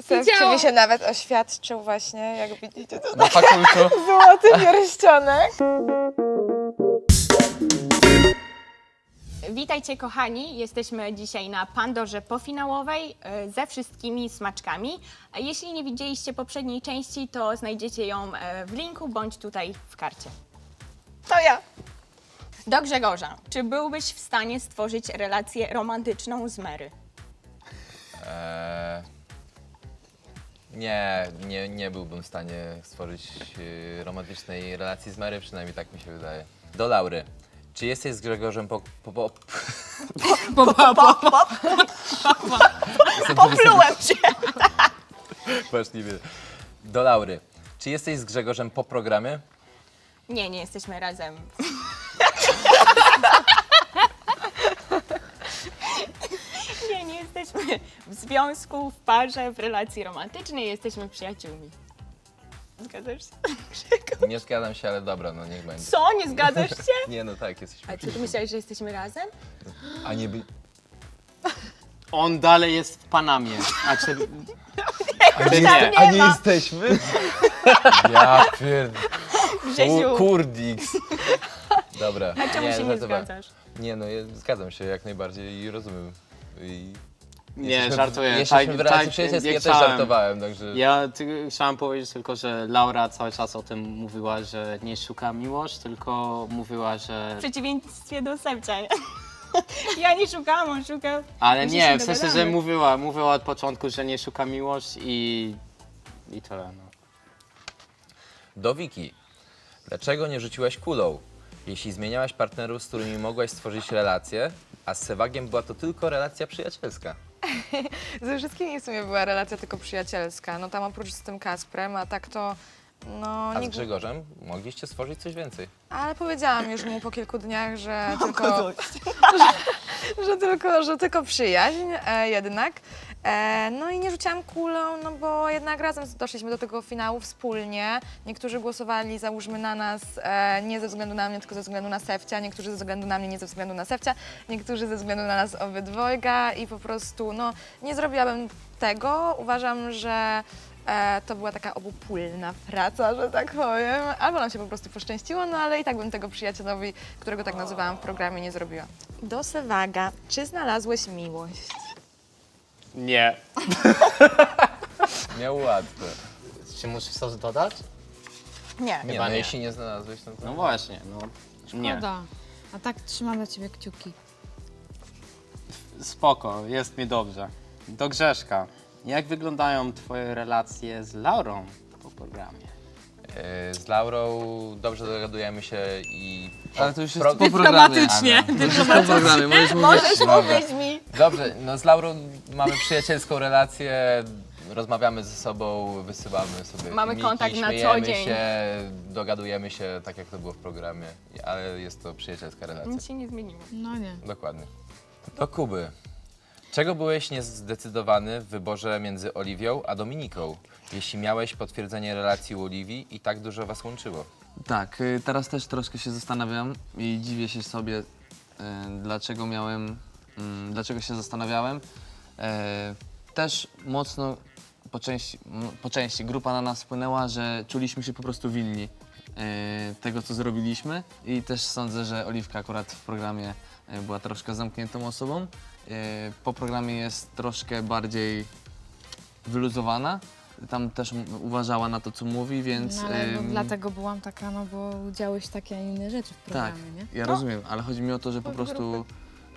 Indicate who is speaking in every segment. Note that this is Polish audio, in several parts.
Speaker 1: Sefcie mi się nawet oświadczył właśnie, jak widzicie, to
Speaker 2: Na fakultu.
Speaker 1: złoty pierścionek.
Speaker 3: Witajcie kochani, jesteśmy dzisiaj na Pandorze pofinałowej ze wszystkimi smaczkami. Jeśli nie widzieliście poprzedniej części, to znajdziecie ją w linku bądź tutaj w karcie.
Speaker 1: To ja.
Speaker 3: Do Grzegorza, czy byłbyś w stanie stworzyć relację romantyczną z Mary?
Speaker 2: Nie byłbym w stanie stworzyć romantycznej relacji z Mary, przynajmniej tak mi się wydaje. Do Laury. Czy jesteś z Grzegorzem
Speaker 3: Poplułem się!
Speaker 2: Możliwie. Do Laury. Czy jesteś z Grzegorzem po programie?
Speaker 3: Nie jesteśmy razem. Nie jesteśmy w związku, w parze, w relacji romantycznej, jesteśmy przyjaciółmi. Zgadzasz się?
Speaker 2: Nie zgadzam się, ale dobra, no niech będzie.
Speaker 3: Co? Nie zgadzasz się?
Speaker 2: Nie, no tak, jesteśmy.
Speaker 3: A czy ty myślałeś, że jesteśmy razem?
Speaker 2: A nie by...
Speaker 4: On dalej jest w Panamie. A czy
Speaker 3: nie
Speaker 2: A nie
Speaker 3: ma.
Speaker 2: jesteśmy? Ja pierd...
Speaker 3: Grzesiu,
Speaker 2: Kurdiks. Dobra.
Speaker 3: a czemu się nie
Speaker 2: żartowałem.
Speaker 3: zgadzasz?
Speaker 2: Nie, no zgadzam się jak najbardziej i rozumiem.
Speaker 4: Nie, żartuję.
Speaker 2: Jesteśmy w relacji przyjacielskiej, ja też żartowałem, także...
Speaker 4: Chciałem powiedzieć tylko, że Laura cały czas o tym mówiła, że nie szuka miłość, tylko mówiła, że...
Speaker 3: W przeciwieństwie do Sebcia. Ja nie szukałam, on szukał.
Speaker 4: Ale
Speaker 3: My się
Speaker 4: nie, w sensie, że
Speaker 3: dogadamy.
Speaker 4: mówiła od początku, że nie szuka miłość i tyle, no.
Speaker 2: Do Wiki. Dlaczego nie rzuciłaś kulą? Jeśli zmieniałaś partnerów, z którymi mogłaś stworzyć relację, a z Sewagiem była to tylko relacja przyjacielska.
Speaker 1: Ze wszystkimi w sumie była relacja tylko przyjacielska. No tam oprócz z tym Kasprem, a tak to... No,
Speaker 2: A z
Speaker 1: nie...
Speaker 2: Grzegorzem mogliście stworzyć coś więcej.
Speaker 1: Ale powiedziałam już mu po kilku dniach, że tylko przyjaźń jednak. No i nie rzuciłam kulą, no bo jednak razem doszliśmy do tego finału wspólnie. Niektórzy głosowali, załóżmy, na nas nie ze względu na mnie, tylko ze względu na Sefcia. Niektórzy ze względu na mnie, nie ze względu na Sefcia. Niektórzy ze względu na nas obydwojga i po prostu, no, nie zrobiłabym tego. Uważam, że to była taka obopólna praca, że tak powiem. Albo nam się po prostu poszczęściło, no ale i tak bym tego przyjacielowi, którego tak nazywałam w programie, nie zrobiła. Do Sewaga, czy znalazłeś miłość?
Speaker 4: Nie.
Speaker 2: Miał łatwe.
Speaker 4: Czy musisz coś dodać?
Speaker 3: Nie.
Speaker 2: Nie,
Speaker 4: Chyba
Speaker 2: no
Speaker 4: nie.
Speaker 2: jeśli nie znalazłeś, no to...
Speaker 4: No właśnie, no. Nie.
Speaker 5: Szkoda. A tak trzymam dla ciebie kciuki.
Speaker 4: Spoko, jest mi dobrze. Do Grzeszka. Jak wyglądają twoje relacje z Laurą po programie?
Speaker 2: Z Laurą dobrze dogadujemy się i...
Speaker 6: Ale to już jest
Speaker 2: Pro-
Speaker 6: po programie.
Speaker 3: Dyplomatycznie.
Speaker 6: To już jest po programie, możesz mówić.
Speaker 3: Możesz
Speaker 2: Dobra.
Speaker 3: mówić mi.
Speaker 2: Dobrze, no z Laurą mamy przyjacielską relację, rozmawiamy ze sobą, wysyłamy sobie
Speaker 3: Mamy
Speaker 2: filmiki,
Speaker 3: kontakt na co
Speaker 2: śmiejemy
Speaker 3: dzień.
Speaker 2: się, dogadujemy się tak jak to było w programie, ale jest to przyjacielska relacja.
Speaker 3: Nic się nie zmieniło.
Speaker 5: No nie.
Speaker 2: Dokładnie. Do Kuby. Czego byłeś niezdecydowany w wyborze między Oliwią a Dominiką, jeśli miałeś potwierdzenie relacji u Oliwii i tak dużo was łączyło?
Speaker 6: Tak, teraz też troszkę się zastanawiam i dziwię się sobie, dlaczego się zastanawiałem. Też mocno po części grupa na nas wpłynęła, że czuliśmy się po prostu winni tego, co zrobiliśmy i też sądzę, że Oliwka akurat w programie była troszkę zamkniętą osobą. Po programie jest troszkę bardziej wyluzowana. Tam też uważała na to, co mówi, więc...
Speaker 5: No, ale dlatego byłam taka, no bo działy się takie, a inne rzeczy w
Speaker 6: Tak,
Speaker 5: programie, nie?
Speaker 6: ja rozumiem, ale chodzi mi o to, że po prostu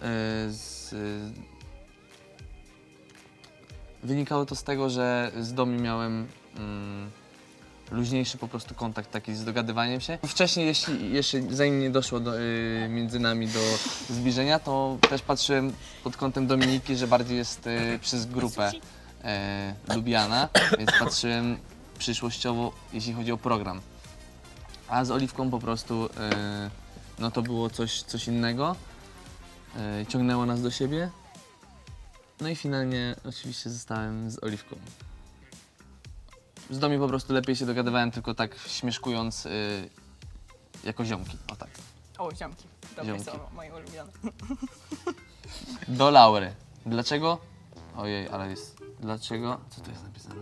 Speaker 6: wynikało to z tego, że z Domi miałem luźniejszy po prostu kontakt taki z dogadywaniem się. Wcześniej, jeszcze zanim nie doszło między nami do zbliżenia, to też patrzyłem pod kątem Dominiki, że bardziej jest przez grupę lubiana, więc patrzyłem przyszłościowo, jeśli chodzi o program. A z Oliwką po prostu no to było coś innego. Ciągnęło nas do siebie. No i finalnie oczywiście zostałem z Oliwką. Z Domi po prostu lepiej się dogadywałem, tylko tak śmieszkując jako ziomki. O tak.
Speaker 3: O, ziomki. Dobre
Speaker 6: Ziomki.
Speaker 3: słowo, moje ulubione.
Speaker 6: Do Laury. Dlaczego? Ojej, ale jest Dlaczego? Co tu jest napisane?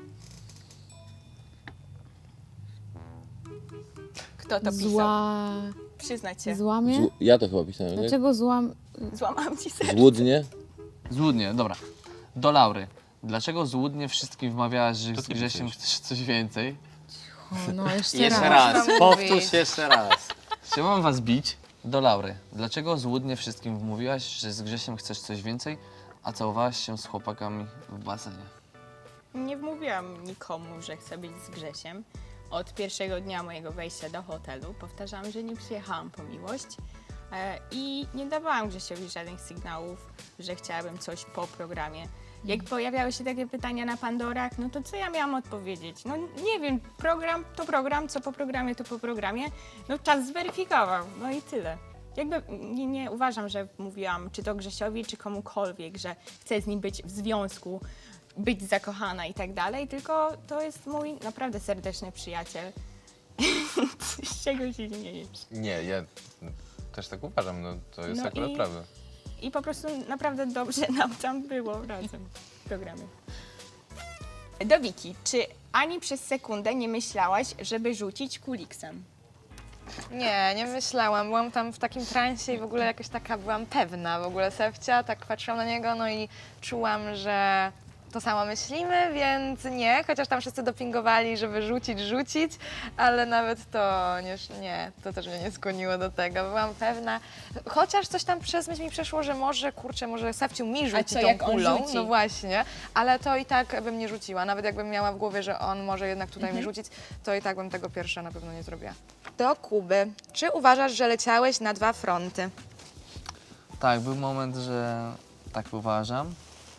Speaker 3: Kto to pisał?
Speaker 5: Zła...
Speaker 3: Przyznać się.
Speaker 5: Złamie?
Speaker 2: Ja to chyba pisałem, nie?
Speaker 5: Dlaczego złam...
Speaker 3: Złamałam ci serce.
Speaker 2: Złudnie?
Speaker 6: Złudnie, dobra. Do Laury. Dlaczego złudnie wszystkim wmawiałaś, że
Speaker 2: To
Speaker 6: z
Speaker 2: ty
Speaker 6: Grzesiem
Speaker 2: pisałeś.
Speaker 6: chcesz coś więcej?
Speaker 5: O, no jeszcze,
Speaker 4: Jeszcze
Speaker 5: raz.
Speaker 4: raz,
Speaker 1: Można
Speaker 4: powtórz
Speaker 1: mówić.
Speaker 4: jeszcze raz.
Speaker 6: Czy mam was bić? Do Laury. Dlaczego złudnie wszystkim wmówiłaś, że z Grzesiem chcesz coś więcej, a całowałaś się z chłopakami w basenie?
Speaker 3: Nie wmówiłam nikomu, że chcę być z Grzesiem. Od pierwszego dnia mojego wejścia do hotelu powtarzałam, że nie przyjechałam po miłość i nie dawałam Grzesiowi żadnych sygnałów, że chciałabym coś po programie. Jak pojawiały się takie pytania na Pandorach, no to co ja miałam odpowiedzieć? No nie wiem, program to program, co po programie to po programie. No czas zweryfikował, no i tyle. Jakby nie uważam, że mówiłam czy to Grzesiowi, czy komukolwiek, że chcę z nim być w związku, być zakochana i tak dalej, tylko to jest mój naprawdę serdeczny przyjaciel. Z czego się śmiejesz?
Speaker 2: Nie, ja też tak uważam, no to jest
Speaker 3: No
Speaker 2: akurat
Speaker 3: i-
Speaker 2: prawda.
Speaker 3: I po prostu naprawdę dobrze nam tam było razem w programie. Do Wiki, czy ani przez sekundę nie myślałaś, żeby rzucić kuliksem?
Speaker 1: Nie, nie myślałam. Byłam tam w takim transie i w ogóle jakoś taka byłam pewna w ogóle Sefcia, tak patrzyłam na niego, no i czułam, że to samo myślimy, więc nie, chociaż tam wszyscy dopingowali, żeby rzucić, ale nawet to nie, to też mnie nie skłoniło do tego. Byłam pewna, chociaż coś tam przez myśl mi przeszło, że może, kurczę, może Sefciu mi rzuci
Speaker 3: co,
Speaker 1: tą
Speaker 3: jak on
Speaker 1: kulą,
Speaker 3: rzuci?
Speaker 1: no właśnie, ale to i tak bym nie rzuciła. Nawet jakbym miała w głowie, że on może jednak tutaj mi rzucić, to i tak bym tego pierwsza na pewno nie zrobiła. Do Kuby. Czy uważasz, że leciałeś na 2 fronty?
Speaker 6: Tak, był moment, że tak uważam.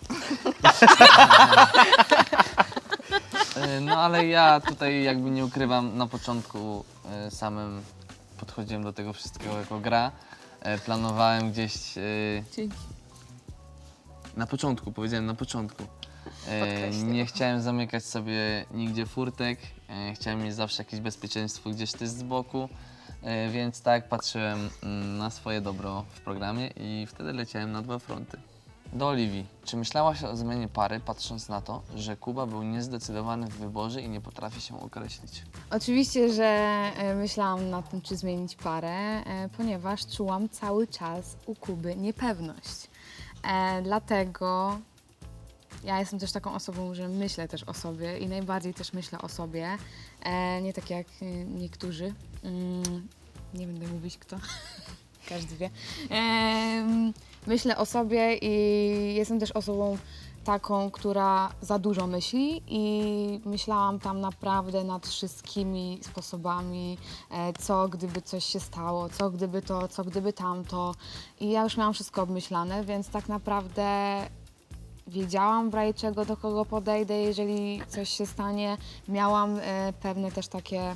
Speaker 6: No ale ja tutaj jakby nie ukrywam, na początku samym podchodziłem do tego wszystkiego jako gra. Planowałem gdzieś
Speaker 5: Dzięki.
Speaker 6: na początku, powiedziałem na początku.
Speaker 1: Podkreśliłam.
Speaker 6: Nie chciałem zamykać sobie nigdzie furtek, chciałem mieć zawsze jakieś bezpieczeństwo gdzieś też z boku, więc tak patrzyłem na swoje dobro w programie i wtedy leciałem na 2 fronty. Do Oliwii. Czy myślałaś o zmianie pary, patrząc na to, że Kuba był niezdecydowany w wyborze i nie potrafi się określić?
Speaker 5: Oczywiście, że myślałam nad tym, czy zmienić parę, ponieważ czułam cały czas u Kuby niepewność. Dlatego ja jestem też taką osobą, że myślę też o sobie i najbardziej też myślę o sobie. Nie tak jak niektórzy. Nie będę mówić kto. Każdy wie. Myślę o sobie i jestem też osobą taką, która za dużo myśli i myślałam tam naprawdę nad wszystkimi sposobami, co gdyby coś się stało, co gdyby to, co gdyby tamto. I ja już miałam wszystko obmyślane, więc tak naprawdę wiedziałam w razie czego, do kogo podejdę, jeżeli coś się stanie. Miałam pewne też takie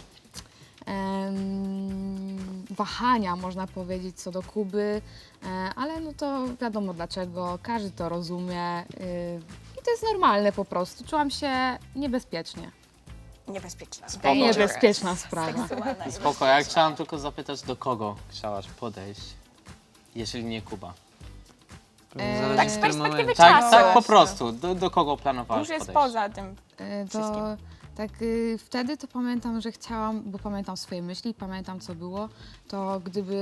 Speaker 5: wahania, można powiedzieć, co do Kuby, ale no to wiadomo dlaczego, każdy to rozumie i to jest normalne po prostu. Czułam się niebezpiecznie.
Speaker 3: Niebezpieczna.
Speaker 4: Spoko.
Speaker 5: Niebezpieczna sprawa.
Speaker 3: Seksualna i
Speaker 4: Spoko, ja chciałam tylko zapytać, do kogo chciałaś podejść, jeżeli nie Kuba.
Speaker 6: Zależy
Speaker 3: tak z
Speaker 6: w tym
Speaker 3: perspektywy
Speaker 6: momencie.
Speaker 3: czasu.
Speaker 4: Tak, tak po
Speaker 1: właśnie.
Speaker 4: prostu. Do kogo planowałaś
Speaker 3: Już jest
Speaker 4: podejść?
Speaker 3: poza tym.
Speaker 5: To
Speaker 3: Wszystkim.
Speaker 5: tak wtedy to pamiętam, że chciałam, bo pamiętam swoje myśli, pamiętam co było, to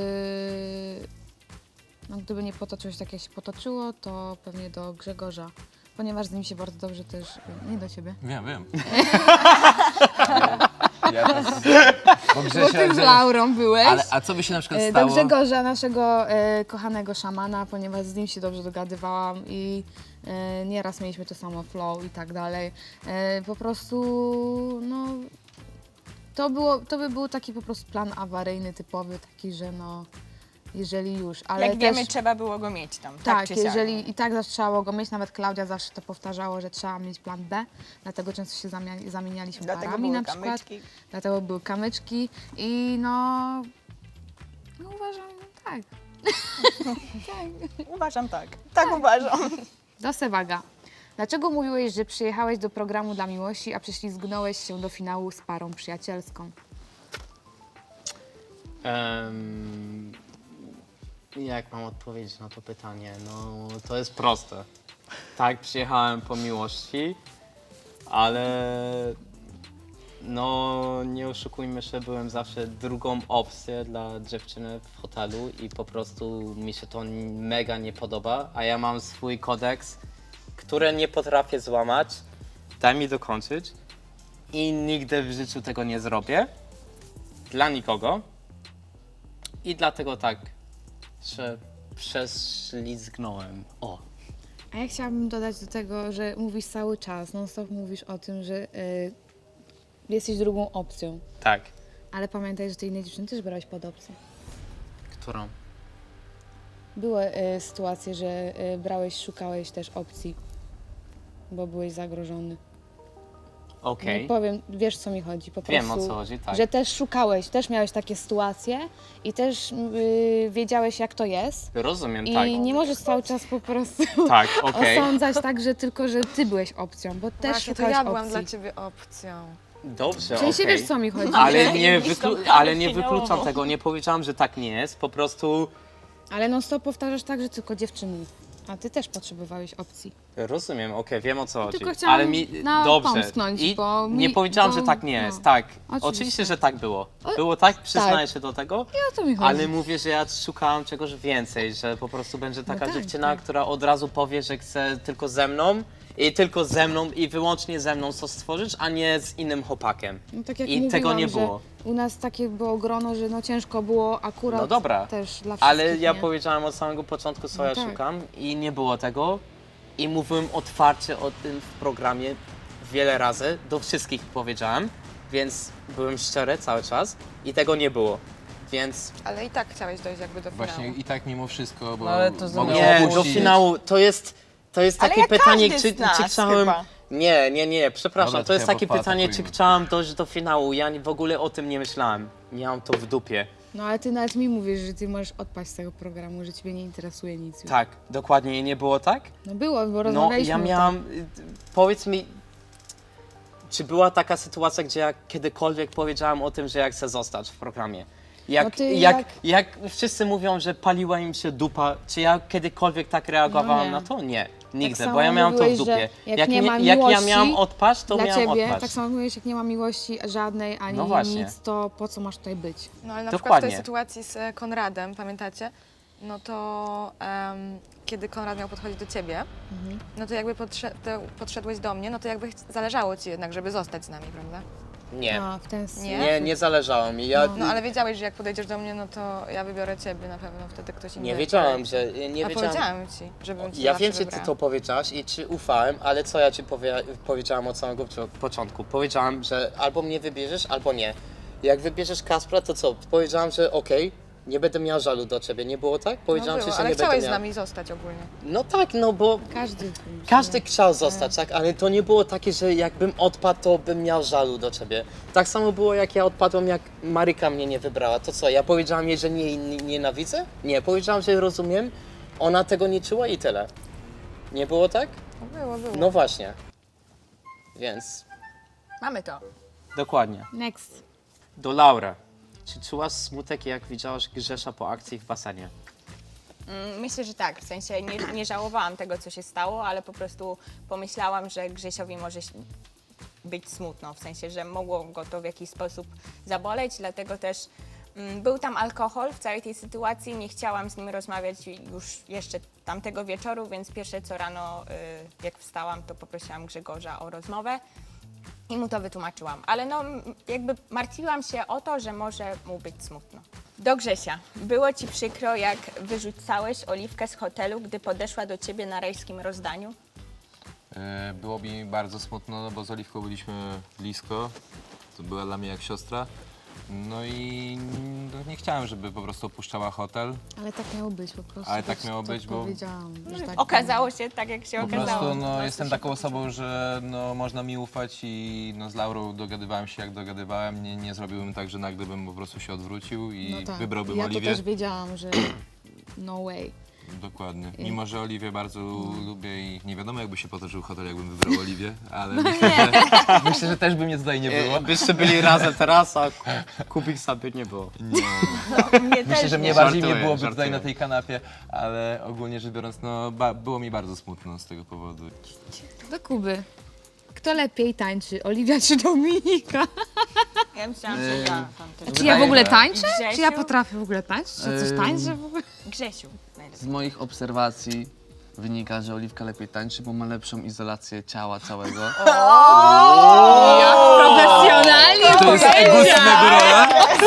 Speaker 5: gdyby nie potoczyło się tak jak się potoczyło, to pewnie do Grzegorza, ponieważ z nim się bardzo dobrze też, nie do ciebie.
Speaker 2: Wiem. Ja też, bo
Speaker 5: Bo ty z Laurą byłeś.
Speaker 2: Ale a co by się na przykład
Speaker 5: Do
Speaker 2: stało?
Speaker 5: Grzegorza, naszego kochanego szamana, ponieważ z nim się dobrze dogadywałam i nieraz mieliśmy to samo flow i tak dalej. Po prostu, no, to by był taki po prostu plan awaryjny, typowy, taki, że no, jeżeli już, ale
Speaker 3: Jak
Speaker 5: też,
Speaker 3: wiemy, trzeba było go mieć tam.
Speaker 5: tak,
Speaker 3: czy siak.
Speaker 5: jeżeli i tak zawsze trzeba było go mieć, nawet Klaudia zawsze to powtarzało, że trzeba mieć plan B, dlatego często się zamienialiśmy
Speaker 3: Dlatego
Speaker 5: parami
Speaker 3: były
Speaker 5: na przykład.
Speaker 3: kamyczki.
Speaker 5: Dlatego były kamyczki i no uważam, tak.
Speaker 3: Uważam tak. Tak uważam.
Speaker 5: Do Sewaga. Dlaczego mówiłeś, że przyjechałeś do programu dla miłości, a prześlizgnąłeś się do finału z parą przyjacielską?
Speaker 4: Jak mam odpowiedzieć na to pytanie? No, to jest proste. Tak, przyjechałem po miłości, ale no nie oszukujmy się, byłem zawsze drugą opcją dla dziewczyny w hotelu i po prostu mi się to mega nie podoba, a ja mam swój kodeks, który nie potrafię złamać. Daj mi dokończyć i nigdy w życiu tego nie zrobię dla nikogo i dlatego tak się prześlizgnąłem. O.
Speaker 5: A ja chciałabym dodać do tego, że mówisz cały czas, non-stop mówisz o tym, że jesteś drugą opcją.
Speaker 4: Tak.
Speaker 5: Ale pamiętaj, że ty innej dziewczyny też brałeś pod opcję.
Speaker 4: Którą?
Speaker 5: Były sytuacje, że szukałeś też opcji, bo byłeś zagrożony.
Speaker 4: Okej.
Speaker 5: Nie powiem, wiesz co mi chodzi, po
Speaker 4: Wiem,
Speaker 5: prostu.
Speaker 4: o co chodzi, tak.
Speaker 5: Że też szukałeś, też miałeś takie sytuacje i też wiedziałeś jak to jest.
Speaker 4: Rozumiem,
Speaker 5: I
Speaker 4: tak.
Speaker 5: nie możesz cały czas po prostu
Speaker 4: Tak, okej.
Speaker 5: osądzać tak, że tylko, że ty byłeś opcją, bo też
Speaker 1: Właśnie, to
Speaker 5: szukałeś
Speaker 1: ja byłam
Speaker 5: opcji.
Speaker 1: dla ciebie opcją.
Speaker 4: Dobrze,
Speaker 5: W sensie
Speaker 4: okej.
Speaker 5: wiesz co mi chodzi,
Speaker 4: Ale nie,
Speaker 3: Widzisz tą
Speaker 4: ale nie
Speaker 3: finałową.
Speaker 4: wykluczam tego, nie powiedziałam, że tak nie jest, po prostu
Speaker 5: ale non stop powtarzasz tak, że tylko dziewczyny. A ty też potrzebowałeś opcji.
Speaker 4: rozumiem, okej, wiem o co chodzi.
Speaker 5: tylko chciałam
Speaker 4: Ale mi, dobrze,
Speaker 5: pomsknąć,
Speaker 4: i
Speaker 5: bo
Speaker 4: nie
Speaker 5: mi-
Speaker 4: powiedziałam,
Speaker 5: bo-
Speaker 4: że tak nie
Speaker 5: no.
Speaker 4: jest, tak.
Speaker 5: Oczywiście.
Speaker 4: Oczywiście, że tak było. Było tak, przyznaję się do tego,
Speaker 5: I o to mi chodzi.
Speaker 4: ale mówię, że ja szukałam czegoś więcej, że po prostu będzie taka
Speaker 5: tak,
Speaker 4: dziewczyna,
Speaker 5: tak.
Speaker 4: która od razu powie, że chce tylko ze mną i wyłącznie ze mną coś stworzyć, a nie z innym chłopakiem.
Speaker 5: No, tak jak
Speaker 4: I
Speaker 5: mówiłam,
Speaker 4: tego nie
Speaker 5: że
Speaker 4: było.
Speaker 5: U nas takie było grono, że no ciężko było akurat
Speaker 4: No dobra,
Speaker 5: też dla wszystkich.
Speaker 4: ale ja
Speaker 5: nie?
Speaker 4: powiedziałem od samego początku, co
Speaker 5: No
Speaker 4: ja
Speaker 5: tak.
Speaker 4: szukam i nie było tego. I mówiłem otwarcie o tym w programie wiele razy, do wszystkich powiedziałem, więc byłem szczery cały czas i tego nie było. Więc
Speaker 1: Ale i tak chciałeś dojść jakby do finału.
Speaker 2: Właśnie i tak mimo wszystko, bo
Speaker 6: No, ale to
Speaker 2: mogłeś
Speaker 4: nie, do
Speaker 2: opuścić.
Speaker 4: finału to jest
Speaker 3: Ale
Speaker 4: takie
Speaker 3: jak
Speaker 4: pytanie,
Speaker 3: każdy
Speaker 4: czy
Speaker 3: z nas
Speaker 4: chciałem...
Speaker 3: chyba.
Speaker 4: Nie, przepraszam,
Speaker 2: Dobra,
Speaker 4: to jest
Speaker 2: to
Speaker 4: takie
Speaker 2: chyba
Speaker 4: pytanie, czy
Speaker 2: paatakujmy.
Speaker 4: chciałam dojść do finału. Ja w ogóle o tym nie myślałem. Miałam to w dupie.
Speaker 5: No ale ty nawet mi mówisz, że ty możesz odpaść z tego programu, że ciebie nie interesuje nic już.
Speaker 4: Tak, dokładnie, i nie było tak?
Speaker 5: No było, bo
Speaker 4: No,
Speaker 5: rozmawialiśmy
Speaker 4: ja
Speaker 5: o
Speaker 4: miałam. Powiedz mi, czy była taka sytuacja, gdzie ja kiedykolwiek powiedziałam o tym, że ja chcę zostać w programie?
Speaker 5: No ty
Speaker 4: Jak wszyscy mówią, że paliła im się dupa, czy ja kiedykolwiek tak reagowałam
Speaker 5: No nie.
Speaker 4: na to? Nie, nigdy,
Speaker 5: samo
Speaker 4: bo ja miałam to w
Speaker 5: mówiłeś,
Speaker 4: dupie.
Speaker 5: że jak nie ma
Speaker 4: jak ja
Speaker 5: miłości
Speaker 4: miałam odpaść, to
Speaker 5: dla
Speaker 4: miałam
Speaker 5: ciebie,
Speaker 4: odpaść.
Speaker 5: tak samo mówisz, jak nie ma miłości żadnej, ani
Speaker 4: No właśnie.
Speaker 5: nic, to po co masz tutaj być?
Speaker 1: No ale na przykład w
Speaker 4: Dokładnie.
Speaker 1: tej sytuacji z Konradem, pamiętacie? No to kiedy Konrad miał podchodzić do ciebie, no to jakby podszedłeś do mnie, no to jakby zależało ci jednak, żeby zostać z nami, prawda?
Speaker 4: Nie,
Speaker 5: A, w ten sposób.
Speaker 4: nie zależało mi. Ja
Speaker 1: No ale wiedziałeś, że jak podejdziesz do mnie, no to ja wybiorę ciebie na pewno, wtedy ktoś inny.
Speaker 4: nie wiedziałam, że... Nie
Speaker 1: A
Speaker 4: wiedziałam.
Speaker 1: powiedziałam ci, żebym cię
Speaker 4: Ja
Speaker 1: zawsze
Speaker 4: wiem, że ty
Speaker 1: wybrała.
Speaker 4: to powiedziałaś i ci ufałem, ale co ja ci powiedziałam od samego początku? Powiedziałam, że albo mnie wybierzesz, albo nie. Jak wybierzesz Kaspra, to co? Powiedziałam, że okej, nie będę miał żalu do ciebie. Nie było tak?
Speaker 1: No
Speaker 4: Powiedziałam
Speaker 1: było,
Speaker 4: ci, że
Speaker 1: ale
Speaker 4: nie
Speaker 1: chciałeś
Speaker 4: będę
Speaker 1: z
Speaker 4: miał...
Speaker 1: nami zostać ogólnie.
Speaker 4: No tak, no bo
Speaker 5: Każdy
Speaker 4: chciał zostać, tak? Ale to nie było takie, że jakbym odpadł, to bym miał żalu do ciebie. Tak samo było, jak ja odpadłem, jak Maryka mnie nie wybrała. To co, ja powiedziałam jej, że nie nienawidzę? Nie, powiedziałam, że rozumiem. Ona tego nie czuła i tyle. Nie było tak?
Speaker 1: No było.
Speaker 4: No właśnie. Więc
Speaker 3: Mamy to.
Speaker 4: dokładnie.
Speaker 5: Next.
Speaker 4: Do Laura. Czy czułaś smutek, jak widziałaś Grzesza po akcji w basenie?
Speaker 3: Myślę, że tak. W sensie nie żałowałam tego, co się stało, ale po prostu pomyślałam, że Grzesiowi może być smutno. W sensie, że mogło go to w jakiś sposób zaboleć, dlatego też był tam alkohol w całej tej sytuacji. Nie chciałam z nim rozmawiać już jeszcze tamtego wieczoru, więc pierwsze co rano, jak wstałam, to poprosiłam Grzegorza o rozmowę. I mu to wytłumaczyłam, ale no jakby martwiłam się o to, że może mu być smutno. Do Grzesia. Było ci przykro, jak wyrzucałeś Oliwkę z hotelu, gdy podeszła do ciebie na rajskim rozdaniu?
Speaker 2: Było mi bardzo smutno, no bo z Oliwką byliśmy blisko. To była dla mnie jak siostra. No i no, nie chciałem, żeby po prostu opuszczała hotel.
Speaker 5: Ale tak miało być po prostu.
Speaker 2: Ale tak
Speaker 5: też
Speaker 2: miało
Speaker 5: to
Speaker 2: być, bo-
Speaker 5: powiedziałam, że tak
Speaker 3: Okazało się tak, jak się
Speaker 2: Po
Speaker 3: okazało.
Speaker 2: prostu
Speaker 3: Po
Speaker 2: no,
Speaker 3: prostu
Speaker 2: jestem
Speaker 3: się
Speaker 2: taką osobą, że no, można mi ufać i no, z Laurą dogadywałem się jak dogadywałem. Nie zrobiłbym tak, że nagle bym po prostu się odwrócił i
Speaker 5: No tak.
Speaker 2: wybrałbym
Speaker 5: Ja
Speaker 2: Oliwię.
Speaker 5: to też wiedziałam, że no way.
Speaker 2: Dokładnie. Mimo, że Oliwię bardzo lubię i nie wiadomo, jakby się potoczył hotel, jakbym wybrał Oliwię, ale myślę, że też by mnie tutaj nie było.
Speaker 4: Byście byli razem teraz, a Kubiksa by nie było.
Speaker 2: Nie.
Speaker 3: Mnie
Speaker 2: Myślę,
Speaker 3: też
Speaker 2: że mnie
Speaker 3: nie.
Speaker 2: bardziej nie
Speaker 4: Żartuję,
Speaker 2: byłoby
Speaker 4: żartuję.
Speaker 2: tutaj na tej kanapie, ale ogólnie rzecz biorąc, no było mi bardzo smutno z tego powodu.
Speaker 5: Do Kuby. Kto lepiej tańczy, Oliwia czy Dominika?
Speaker 3: Ja myślałam, że ja tam też.
Speaker 5: Czy ja w ogóle
Speaker 2: że-
Speaker 5: tańczę?
Speaker 3: Grzesiu?
Speaker 5: Czy ja potrafię w ogóle tańczyć? Czy coś tańczę w ogóle?
Speaker 3: Grzesiu.
Speaker 6: Z
Speaker 3: najlepiej.
Speaker 6: moich obserwacji wynika, że Oliwka lepiej tańczy, bo ma lepszą izolację ciała całego.
Speaker 5: Jak profesjonalnie
Speaker 2: To jest egustnego rola?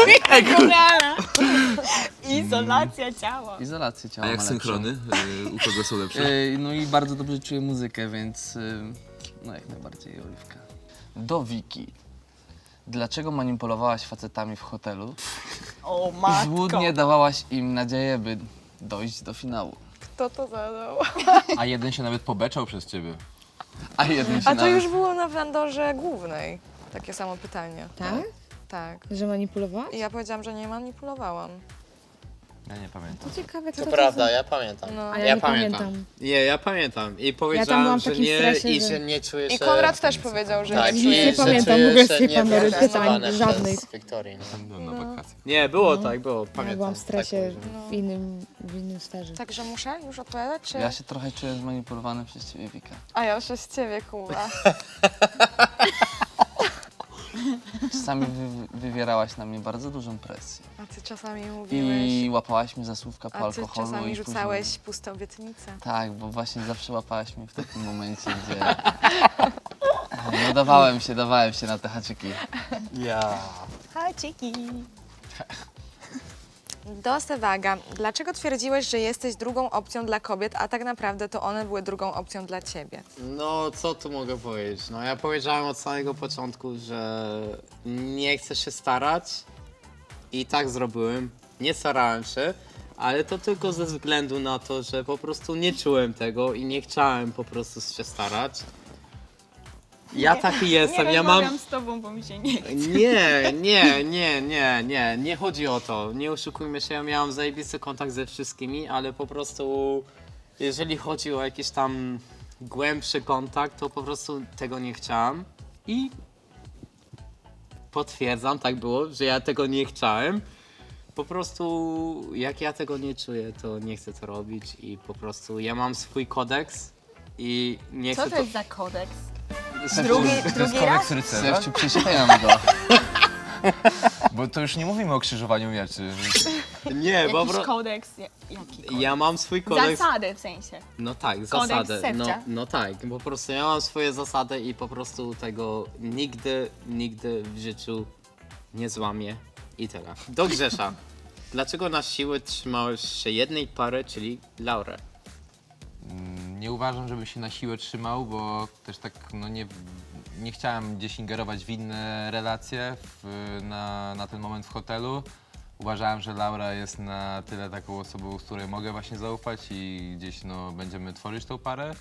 Speaker 3: Izolacja ciała.
Speaker 6: Izolację ciała
Speaker 2: A jak
Speaker 6: ma
Speaker 2: synchrony? U kogo są lepsze?
Speaker 6: No i bardzo dobrze czuję muzykę, więc no jak najbardziej Oliwka. Do Wiki. Dlaczego manipulowałaś facetami w hotelu
Speaker 3: O
Speaker 6: i
Speaker 3: matko.
Speaker 6: złudnie dawałaś im nadzieję, by dojść do finału?
Speaker 1: Kto to zadał?
Speaker 2: A jeden się nawet pobeczał przez ciebie.
Speaker 6: A jeden się
Speaker 1: A to
Speaker 6: nawet...
Speaker 1: już było na wandorze głównej. Takie samo pytanie.
Speaker 5: Tak?
Speaker 1: Tak.
Speaker 5: Że manipulowała?
Speaker 1: I ja powiedziałam, że nie manipulowałam.
Speaker 2: Ja nie pamiętam.
Speaker 5: To ciekawe, kto
Speaker 4: To
Speaker 5: to
Speaker 4: prawda, ja pamiętam.
Speaker 1: No.
Speaker 5: A ja nie pamiętam.
Speaker 4: Nie, ja pamiętam. I
Speaker 5: byłam
Speaker 4: powiedziałam,
Speaker 5: w
Speaker 4: że
Speaker 5: takim
Speaker 4: nie
Speaker 5: stresie,
Speaker 4: i
Speaker 5: że-
Speaker 4: że nie czuję się...
Speaker 1: I Konrad też powiedział, że
Speaker 4: Tak,
Speaker 1: nie
Speaker 5: Nic
Speaker 1: czuje
Speaker 5: nie
Speaker 1: się.
Speaker 5: pamiętam, w ogóle z tej Pandory pytań żadnych.
Speaker 4: Wiktorii.
Speaker 2: Byłem na wakacjach.
Speaker 4: Nie, było tak, było. Pamiętam.
Speaker 5: Ja byłam w stresie
Speaker 4: Tak,
Speaker 5: w innym sferze.
Speaker 1: Także muszę już odpowiadać, czy...
Speaker 6: Ja się trochę czuję zmanipulowany przez ciebie, Wika.
Speaker 1: A ja przez ciebie, Kuba.
Speaker 6: Czasami wywierałaś na mnie bardzo dużą presję.
Speaker 1: A ty czasami mówiłeś...
Speaker 6: I łapałaś mnie za słówka po
Speaker 1: A ty
Speaker 6: alkoholu.
Speaker 1: czasami
Speaker 6: i
Speaker 1: rzucałeś
Speaker 6: Później...
Speaker 1: pustą obietnicę.
Speaker 6: Tak, bo właśnie zawsze łapałaś mnie w takim momencie, gdzie... No dawałem się na te haczyki.
Speaker 4: Ja.
Speaker 3: Haciki.
Speaker 1: Do Sewaga. Dlaczego twierdziłeś, że jesteś drugą opcją dla kobiet, a tak naprawdę to one były drugą opcją dla ciebie?
Speaker 4: No, co tu mogę powiedzieć? No, ja powiedziałem od samego początku, że nie chcę się starać i tak zrobiłem. Nie starałem się, ale to tylko ze względu na to, że po prostu nie czułem tego i nie chciałem po prostu się starać. Ja taki jestem,
Speaker 3: Nie
Speaker 4: ja mam...
Speaker 3: rozmawiam z tobą, bo mi się nie chce.
Speaker 4: Nie chodzi o to. Nie oszukujmy się, ja miałam zajebisty kontakt ze wszystkimi, ale po prostu jeżeli chodzi o jakiś tam głębszy kontakt, to po prostu tego nie chciałam i potwierdzam, tak było, że ja tego nie chciałem. Po prostu jak ja tego nie czuję, to nie chcę to robić i po prostu ja mam swój kodeks i nie
Speaker 3: Co
Speaker 4: chcę
Speaker 3: to jest za kodeks?
Speaker 2: Drugi
Speaker 3: raz?
Speaker 2: rycerza?
Speaker 6: Sefciu, przeczytaj go.
Speaker 2: Bo to już nie mówimy o krzyżowaniu mieczy.
Speaker 4: Nie, po
Speaker 3: Jakiś
Speaker 4: prostu...
Speaker 3: kodeks? Jaki kodeks?
Speaker 4: Ja mam swój kodeks.
Speaker 3: Zasady w sensie.
Speaker 4: No tak,
Speaker 3: Kodeks
Speaker 4: zasady. No,
Speaker 3: Sefcia.
Speaker 4: no tak, po prostu ja mam swoje zasady i po prostu tego nigdy w życiu nie złamię i tyle. Do Grzesza. Dlaczego na siłę trzymałeś się jednej pary, czyli Laurę?
Speaker 2: Nie uważam, żeby się na siłę trzymał, bo też tak no nie chciałem gdzieś ingerować w inne relacje na ten moment w hotelu. Uważałem, że Laura jest na tyle taką osobą, z której mogę właśnie zaufać i gdzieś no, będziemy tworzyć tą parę.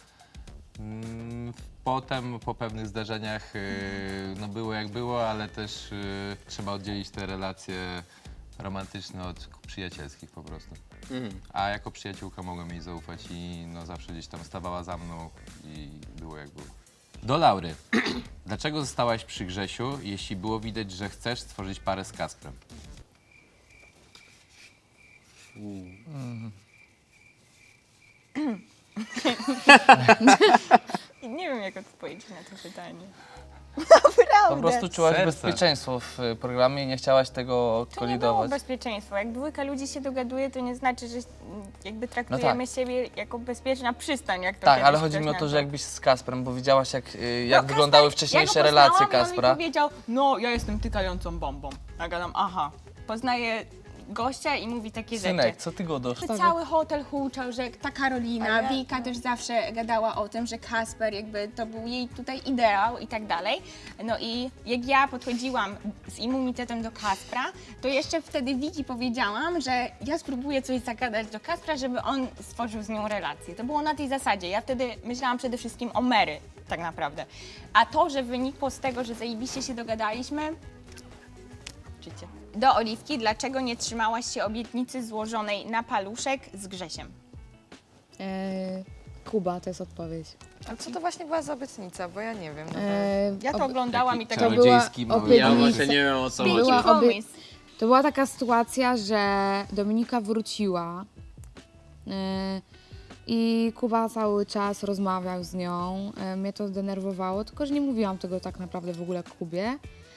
Speaker 2: Potem po pewnych zdarzeniach no było jak było, ale też trzeba oddzielić te relacje romantyczne od przyjacielskich po prostu. A jako przyjaciółka mogłem jej zaufać i no zawsze gdzieś tam stawała za mną i było jak było. Do Laury. Dlaczego zostałaś przy Grzesiu, jeśli było widać, że chcesz stworzyć parę z Kasprem?
Speaker 3: Nie wiem, jak odpowiedzieć na to pytanie.
Speaker 6: Po prostu czułaś
Speaker 2: Serce.
Speaker 6: bezpieczeństwo w programie i nie chciałaś tego
Speaker 3: To nie było
Speaker 6: kolidować.
Speaker 3: bezpieczeństwo. Jak dwójka ludzi się dogaduje, to nie znaczy, że jakby traktujemy siebie jako bezpieczna przystań, jak to
Speaker 6: Tak,
Speaker 3: kiedyś
Speaker 6: ale chodzi
Speaker 3: ktoś
Speaker 6: mi o to, że
Speaker 3: nazwał.
Speaker 6: jakbyś z Kasprem, bo widziałaś jak
Speaker 3: No,
Speaker 6: wyglądały
Speaker 3: Kasper,
Speaker 6: wcześniejsze
Speaker 3: ja go
Speaker 6: relacje
Speaker 3: poznałam,
Speaker 6: Kaspra.
Speaker 3: On mi powiedział, no ja jestem tykającą bombą. Ja gadam, aha, poznaję gościa i mówi takie
Speaker 6: Synek,
Speaker 3: rzeczy.
Speaker 6: co ty go dosz?
Speaker 3: Cały hotel huczał, że ta Karolina,
Speaker 1: A ja-
Speaker 3: Wika też zawsze gadała o tym, że Kasper jakby to był jej tutaj ideał i tak dalej. No i jak ja podchodziłam z immunitetem do Kaspra, to jeszcze wtedy Wiki powiedziałam, że ja spróbuję coś zagadać do Kaspra, żeby on stworzył z nią relację. To było na tej zasadzie. Ja wtedy myślałam przede wszystkim o Mary tak naprawdę. A to, że wynikło z tego, że zajebiście się dogadaliśmy, życie. Do Oliwki, dlaczego nie trzymałaś się obietnicy złożonej na paluszek z Grzesiem?
Speaker 5: Kuba to jest odpowiedź.
Speaker 1: A co to właśnie była za obietnica, bo ja nie wiem.
Speaker 3: Ja to oglądałam i tak
Speaker 5: to była
Speaker 2: Czarodziejski mały
Speaker 5: obietnica.
Speaker 4: Ja
Speaker 2: Jezus.
Speaker 4: właśnie nie wiem o co
Speaker 5: Była
Speaker 4: chodzi.
Speaker 3: Pinky
Speaker 5: obie-
Speaker 3: Promise.
Speaker 5: To była taka sytuacja, że Dominika wróciła i Kuba cały czas rozmawiał z nią. Mnie to zdenerwowało, tylko że nie mówiłam tego tak naprawdę w ogóle Kubie.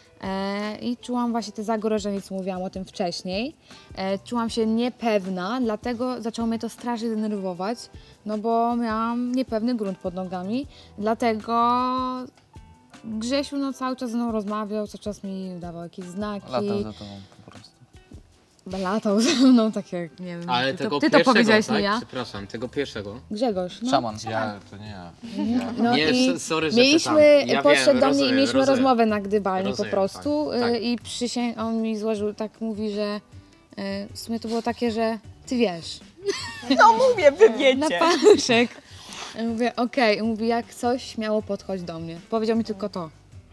Speaker 5: I czułam właśnie te zagrożenie, co mówiłam o tym wcześniej. Czułam się niepewna, dlatego zaczęło mnie to strasznie denerwować, no bo miałam niepewny grunt pod nogami, dlatego Grzesiu no, cały czas ze mną rozmawiał, cały czas mi dawał jakieś znaki.
Speaker 6: Latał za tobą po prostu.
Speaker 5: Latał ze mną, tak jak, nie wiem,
Speaker 4: Ale
Speaker 5: ty
Speaker 4: tego
Speaker 5: to, ty to
Speaker 4: pierwszego,
Speaker 5: powiedziałeś,
Speaker 4: tak?
Speaker 5: nie ja.
Speaker 4: Przepraszam, tego pierwszego.
Speaker 5: Grzegorz, no.
Speaker 6: Szaman.
Speaker 2: Ja, to nie ja.
Speaker 5: No
Speaker 4: Nie,
Speaker 5: i
Speaker 4: sorry, że
Speaker 5: mieliśmy,
Speaker 4: pytam. Ja
Speaker 5: podszedł
Speaker 4: wiem,
Speaker 5: do mnie i
Speaker 4: rozumiem,
Speaker 5: mieliśmy
Speaker 4: rozumiem.
Speaker 5: rozmowę na gdybani
Speaker 4: Rozumiem,
Speaker 5: po prostu
Speaker 4: tak, tak.
Speaker 5: i on mi złożył, tak mówi, że w sumie to było takie, że ty wiesz,
Speaker 3: No mówię, wy
Speaker 5: na
Speaker 3: wiecie.
Speaker 5: paluszek. Ja mówię, okej. Mówi, jak coś, śmiało podchodź do mnie. Powiedział mi tylko to.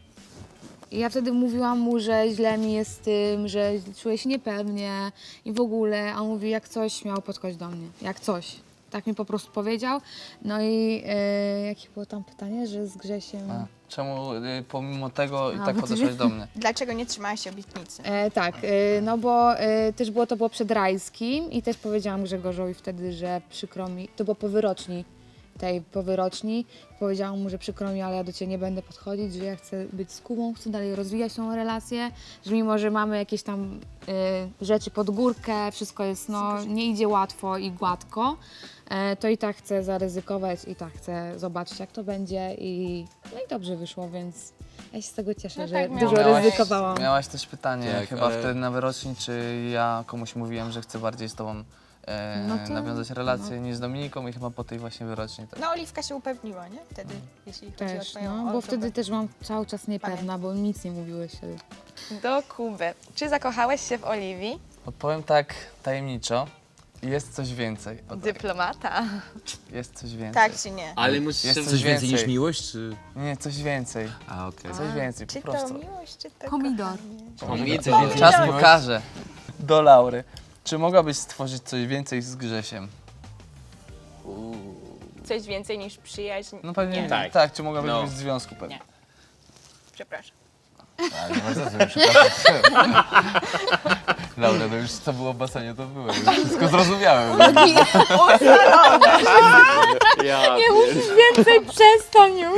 Speaker 5: I ja wtedy mówiłam mu, że źle mi jest z tym, że czuję się niepewnie i w ogóle. A on mówi, jak coś, śmiało podchodź do mnie. Jak coś. Tak mi po prostu powiedział. No i jakie było tam pytanie, że z Grzesiem...
Speaker 6: A, czemu pomimo tego i
Speaker 5: A,
Speaker 6: tak
Speaker 5: bo ty
Speaker 6: podeszłaś
Speaker 5: wie-
Speaker 6: do mnie?
Speaker 3: Dlaczego nie trzymałaś obietnicy?
Speaker 5: Tak, no bo też to było przed Rajskim i też powiedziałam Grzegorzowi wtedy, że przykro mi, to było po wyroczni, powiedziałam mu, że przykro mi, ale ja do Ciebie nie będę podchodzić, że ja chcę być z Kubą, chcę dalej rozwijać tą relację, że mimo, że mamy jakieś tam rzeczy pod górkę, wszystko jest, no nie idzie łatwo i gładko, to i tak chcę zaryzykować i tak chcę zobaczyć, jak to będzie i no i dobrze wyszło, więc ja się z tego cieszę,
Speaker 3: No
Speaker 5: że
Speaker 3: tak
Speaker 5: dużo
Speaker 3: miałaś.
Speaker 5: ryzykowałam.
Speaker 6: Miałaś też pytanie
Speaker 2: Tak,
Speaker 6: chyba
Speaker 2: ale-
Speaker 6: wtedy na wyroczni, czy ja komuś mówiłem, że chcę bardziej z tobą
Speaker 5: No to-
Speaker 6: nawiązać relację niż z Dominiką i chyba po tej właśnie wyroczni. Tak.
Speaker 3: No Oliwka się upewniła, nie? Wtedy, jeśli chodzi o
Speaker 5: Też,
Speaker 3: twoją
Speaker 5: no, bo
Speaker 3: osobę.
Speaker 5: wtedy też byłam cały czas niepewna, bo nic nie mówiłeś wtedy.
Speaker 1: Do Kuby. Czy zakochałeś się w Oliwii?
Speaker 6: Odpowiem tak tajemniczo. Jest coś więcej. O tak.
Speaker 1: Dyplomata.
Speaker 6: Jest coś więcej.
Speaker 3: Tak czy nie?
Speaker 4: Ale musisz
Speaker 6: Jest
Speaker 4: się...
Speaker 6: coś więcej niż
Speaker 2: miłość, czy...
Speaker 6: Nie, coś więcej.
Speaker 2: A, okej.
Speaker 6: Coś więcej,
Speaker 3: Czy
Speaker 6: po
Speaker 3: to
Speaker 6: prostu.
Speaker 3: miłość, czy to
Speaker 5: Pomidor.
Speaker 3: kochanie?
Speaker 6: Czas pokaże. Do Laury. Czy mogłabyś stworzyć coś więcej z Grzesiem?
Speaker 3: Coś więcej niż przyjaźń?
Speaker 6: No pewnie
Speaker 3: Nie.
Speaker 6: tak.
Speaker 4: Tak.
Speaker 6: Czy mogłabyś
Speaker 4: No.
Speaker 6: być w związku pewnie?
Speaker 3: Nie. Przepraszam.
Speaker 2: Ale nie ma za co, przepraszam. Laura, no już co było w basenie, to było. Już wszystko zrozumiałem.
Speaker 4: Ja,
Speaker 5: Więcej przestań już!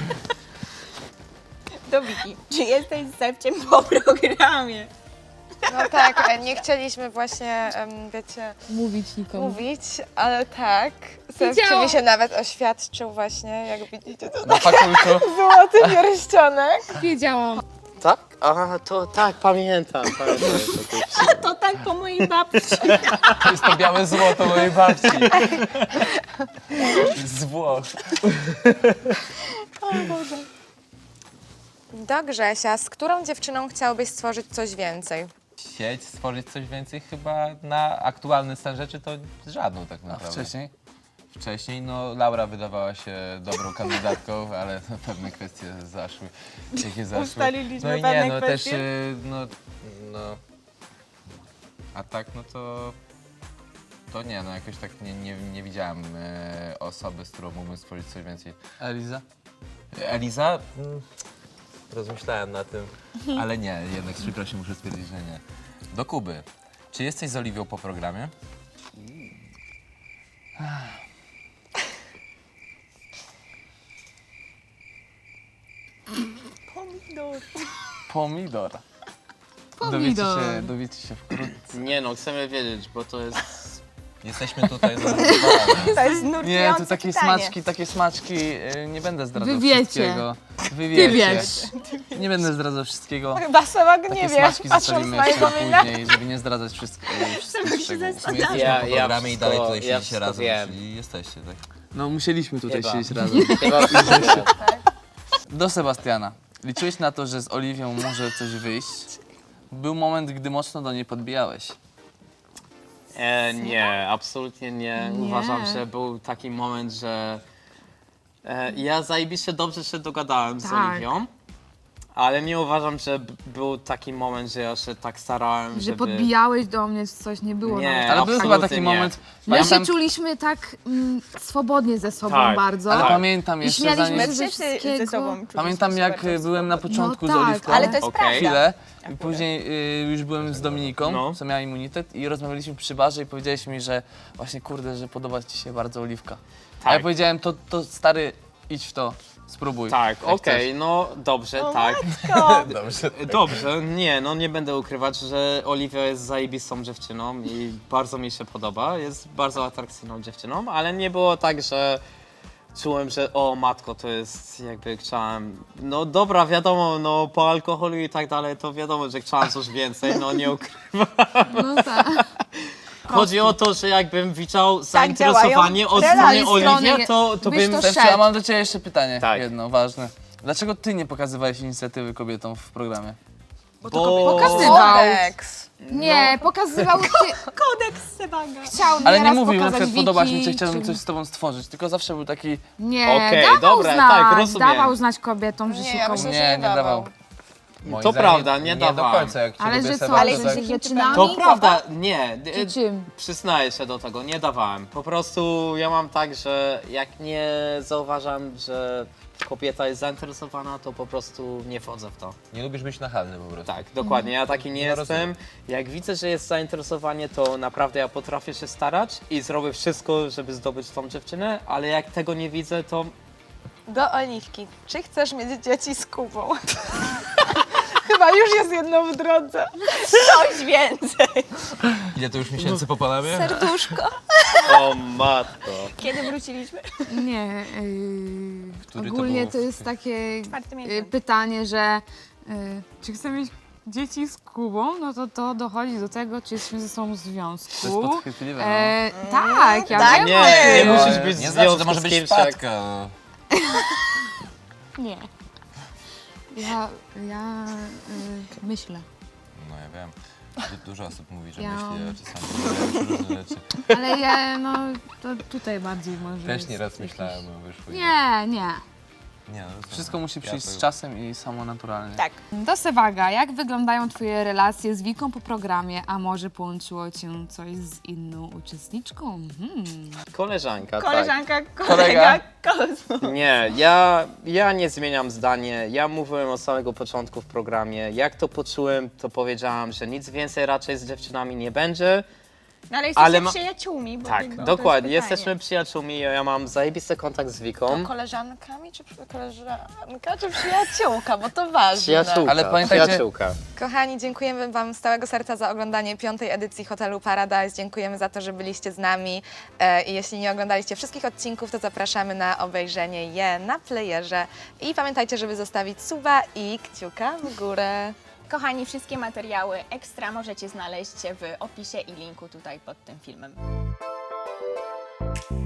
Speaker 3: Do Wiki. Czy jesteś zepciem po programie?
Speaker 1: No tak, nie chcieliśmy właśnie, wiecie,
Speaker 5: Mówić nikomu.
Speaker 1: mówić, ale tak. Sewcie mi się nawet oświadczył właśnie, jak widzicie, to
Speaker 6: Na fakultu.
Speaker 1: złoty pierścionek.
Speaker 5: Wiedziałam.
Speaker 4: tak? Aha, to tak, pamiętam.
Speaker 3: To tak po mojej babci.
Speaker 6: To jest to białe złoto mojej babci. Z Włoch.
Speaker 1: Do Grzesia, z którą dziewczyną chciałbyś stworzyć coś więcej?
Speaker 2: Chcieć stworzyć coś więcej chyba na aktualny stan rzeczy to z żadną tak
Speaker 6: A
Speaker 2: naprawdę.
Speaker 6: wcześniej?
Speaker 2: Wcześniej, no Laura wydawała się dobrą kandydatką, ale no, pewne kwestie zaszły, jakie zaszły.
Speaker 3: Ustaliliśmy
Speaker 2: no i
Speaker 3: pewne
Speaker 2: nie, no też,
Speaker 3: kwestie.
Speaker 2: no, a tak, no to nie, no jakoś tak nie widziałem osoby, z którą mógłbym stworzyć coś więcej.
Speaker 6: Eliza?
Speaker 2: Eliza? Rozmyślałem na tym, ale nie, jednak z przykrością muszę stwierdzić, że nie. Do Kuby. Czy jesteś z Oliwią po programie?
Speaker 6: Pomidor.
Speaker 5: Pomidor.
Speaker 6: Dowiecie się wkrótce.
Speaker 4: Nie no, chcemy wiedzieć, bo to jest...
Speaker 2: Jesteśmy tutaj no,
Speaker 3: To jest nurtujące
Speaker 6: Nie, to takie
Speaker 3: pytanie.
Speaker 6: smaczki, nie będę zdradzał
Speaker 5: Wy wiecie.
Speaker 6: wszystkiego. Wy
Speaker 5: Ty
Speaker 6: wiecie.
Speaker 5: wiesz.
Speaker 6: Nie będę zdradzał wszystkiego.
Speaker 1: Chyba sama go
Speaker 6: Takie
Speaker 1: nie wiesz,
Speaker 6: smaczki
Speaker 1: patrząc
Speaker 6: zostawimy
Speaker 1: na
Speaker 6: jeszcze
Speaker 1: jego
Speaker 6: na
Speaker 1: minę.
Speaker 6: później, żeby nie zdradzać wszystkich szczegółów.
Speaker 2: W sumie jesteśmy
Speaker 4: Ja-
Speaker 2: po
Speaker 4: ja
Speaker 2: programie i dalej
Speaker 4: wszystko-
Speaker 2: tutaj
Speaker 4: ja
Speaker 2: siedzicie
Speaker 4: wszystko
Speaker 2: razem,
Speaker 4: wiem.
Speaker 2: czyli jesteście, tak?
Speaker 6: No musieliśmy tutaj
Speaker 4: Chyba.
Speaker 6: siedzieć razem.
Speaker 4: Chyba wszystko.
Speaker 6: Do Sebastiana. Liczyłeś na to, że z Oliwią może coś wyjść? Był moment, gdy mocno do niej podbijałeś.
Speaker 4: Nie, absolutnie nie.
Speaker 5: Nie.
Speaker 4: Uważam, że był taki moment, że ja zajebiście dobrze się dogadałem z
Speaker 5: Tak.
Speaker 4: Oliwią. Ale nie uważam, że był taki moment, że ja się tak starałem,
Speaker 5: Że
Speaker 4: żeby...
Speaker 5: podbijałeś do mnie, czy coś nie było.
Speaker 4: Nie,
Speaker 5: nawet.
Speaker 6: Ale był
Speaker 4: absolutnie
Speaker 6: chyba taki
Speaker 4: nie.
Speaker 6: moment,
Speaker 5: My się
Speaker 6: pamiętam,
Speaker 5: czuliśmy tak swobodnie ze sobą
Speaker 4: Tak,
Speaker 5: bardzo.
Speaker 6: ale
Speaker 4: tak.
Speaker 6: pamiętam
Speaker 5: I
Speaker 6: jeszcze
Speaker 5: śmialiśmy
Speaker 6: zanim...
Speaker 5: się
Speaker 3: My
Speaker 5: ze
Speaker 3: wszyscy ze
Speaker 5: wszystkiego.
Speaker 3: sobą czuliśmy
Speaker 6: Pamiętam
Speaker 3: się
Speaker 6: jak
Speaker 3: bardzo
Speaker 6: byłem na
Speaker 3: swobodnie.
Speaker 6: początku
Speaker 5: No
Speaker 6: z
Speaker 5: tak,
Speaker 6: Oliwką.
Speaker 3: Ale to jest
Speaker 4: Okej.
Speaker 3: prawda.
Speaker 6: Chwilę i
Speaker 3: Akurat.
Speaker 6: później już byłem z Dominiką,
Speaker 4: No.
Speaker 6: co miała immunitet i rozmawialiśmy przy barze i powiedziałeś mi, że właśnie kurde, że podoba ci się bardzo Oliwka. A ja
Speaker 4: Tak.
Speaker 6: powiedziałem, to stary, idź w to, spróbuj.
Speaker 4: Tak,
Speaker 6: jak
Speaker 4: okej,
Speaker 6: chcesz.
Speaker 4: no dobrze, tak. Dobrze, nie, no nie będę ukrywać, że Oliwia jest zajebistą dziewczyną i bardzo mi się podoba, jest bardzo atrakcyjną dziewczyną, ale nie było tak, że czułem, że o matko, to jest jakby chciałem, no dobra, wiadomo, no po alkoholu i tak dalej, to wiadomo, że chciałem coś więcej, no nie ukrywam.
Speaker 5: No tak.
Speaker 4: Chodzi o to, że jakbym widział
Speaker 3: działają
Speaker 4: zainteresowanie od
Speaker 3: relacje.
Speaker 4: strony Oliwia,
Speaker 5: Strony
Speaker 4: to
Speaker 5: byś
Speaker 4: bym...
Speaker 5: to
Speaker 6: Stefciu, a mam do ciebie jeszcze pytanie,
Speaker 4: Tak.
Speaker 6: jedno ważne. Dlaczego ty nie pokazywałeś inicjatywy kobietom w programie?
Speaker 5: Pokazywał.
Speaker 1: Kodeks.
Speaker 5: Nie, pokazywał ty.
Speaker 3: Kodeks Sebaga.
Speaker 5: Chciał
Speaker 6: Ale nie
Speaker 5: nieraz
Speaker 6: mówił, na
Speaker 5: pokazać
Speaker 6: przykład podobasz mi się,
Speaker 5: Wiki,
Speaker 6: chciałbym
Speaker 5: czy-
Speaker 6: coś z tobą stworzyć, tylko zawsze był taki...
Speaker 5: Nie,
Speaker 4: Okej,
Speaker 5: dawał
Speaker 4: dobra,
Speaker 5: znać,
Speaker 4: tak, rozumiem.
Speaker 5: dawał znać kobietom, że
Speaker 1: Nie,
Speaker 5: się
Speaker 1: ja
Speaker 5: komuś...
Speaker 1: myślę,
Speaker 6: Nie,
Speaker 1: że
Speaker 6: nie dawał.
Speaker 2: Moim
Speaker 4: To
Speaker 2: zdaniem
Speaker 4: prawda, nie
Speaker 2: Nie do
Speaker 4: dawałem.
Speaker 2: końca, jak cię
Speaker 5: Ale
Speaker 2: lubię
Speaker 5: że co,
Speaker 2: Seba,
Speaker 5: ale
Speaker 2: to
Speaker 5: że
Speaker 2: tak-
Speaker 5: z dziewczynami?
Speaker 4: To prawda, nie.
Speaker 5: Czy czym?
Speaker 4: Przyznaję się do tego, nie dawałem. Po prostu ja mam tak, że jak nie zauważam, że kobieta jest zainteresowana, to po prostu nie wchodzę w to.
Speaker 2: Nie lubisz być nachalny po prostu.
Speaker 4: Tak, dokładnie, ja taki nie
Speaker 2: No,
Speaker 4: jestem. Jak widzę, że jest zainteresowanie, to naprawdę ja potrafię się starać i zrobię wszystko, żeby zdobyć tą dziewczynę, ale jak tego nie widzę, to
Speaker 1: Do Oliwki. Czy chcesz mieć dzieci z Kubą? Chyba już jest jedno w drodze.
Speaker 3: Coś więcej.
Speaker 2: Ile to już miesięcy po Panamie?
Speaker 1: Serduszko.
Speaker 4: o matko.
Speaker 3: Kiedy wróciliśmy?
Speaker 5: Nie,
Speaker 2: Który to
Speaker 5: ogólnie
Speaker 2: było?
Speaker 5: to jest takie
Speaker 3: Czwarty miesiąc.
Speaker 5: pytanie, że czy chcę mieć dzieci z Kubą, no to dochodzi do tego, czy jesteśmy ze sobą w związku.
Speaker 6: To jest podchwytliwe,
Speaker 5: Tak, ja
Speaker 1: tak
Speaker 5: wiem.
Speaker 4: Nie, nie
Speaker 1: No,
Speaker 4: musisz być w
Speaker 2: Nie zawsze, to
Speaker 4: związku
Speaker 2: może
Speaker 4: z
Speaker 2: być
Speaker 4: kimś, jak-
Speaker 2: wpadka. No.
Speaker 5: Nie. Ja myślę,
Speaker 2: No ja wiem. Dużo osób mówi, że
Speaker 5: Ja-
Speaker 2: myśli, a czasami robią różne rzeczy.
Speaker 5: ale ja, no, to tutaj bardziej może
Speaker 2: Też
Speaker 5: jest
Speaker 2: nieraz
Speaker 5: jakiś-
Speaker 2: myślałem, no wyszło.
Speaker 5: Nie.
Speaker 2: Nie, no, to-
Speaker 6: Wszystko musi
Speaker 2: ja
Speaker 6: przyjść
Speaker 2: to-
Speaker 6: z czasem i samo naturalnie.
Speaker 3: Tak.
Speaker 5: Do Sewaga, jak wyglądają Twoje relacje z Wiką po programie, a może połączyło Cię coś z inną uczestniczką?
Speaker 4: Koleżanka,
Speaker 3: Koleżanka,
Speaker 6: Kolega.
Speaker 3: kolega, Kozmo.
Speaker 4: tak. Nie, ja nie zmieniam zdanie. Ja mówiłem od samego początku w programie. Jak to poczułem, to powiedziałam, że nic więcej raczej z dziewczynami nie będzie.
Speaker 3: No ale jesteście
Speaker 4: Ale ma-
Speaker 3: przyjaciółmi, bo
Speaker 4: Tak,
Speaker 3: jakby to
Speaker 4: dokładnie.
Speaker 3: jest pytanie.
Speaker 4: Jesteśmy przyjaciółmi. Ja mam zajebisty kontakt z Wiką.
Speaker 1: Koleżankami czy koleżanka czy przyjaciółka, bo to ważne.
Speaker 4: Przyjaciółka,
Speaker 6: Ale pamiętajcie-
Speaker 4: przyjaciółka.
Speaker 1: Kochani, dziękujemy Wam z całego serca za oglądanie 5. edycji Hotelu Paradise. Dziękujemy za to, że byliście z nami. I jeśli nie oglądaliście wszystkich odcinków, to zapraszamy na obejrzenie je na playerze. I pamiętajcie, żeby zostawić suba i kciuka w górę.
Speaker 3: Kochani, wszystkie materiały ekstra możecie znaleźć w opisie i linku tutaj pod tym filmem.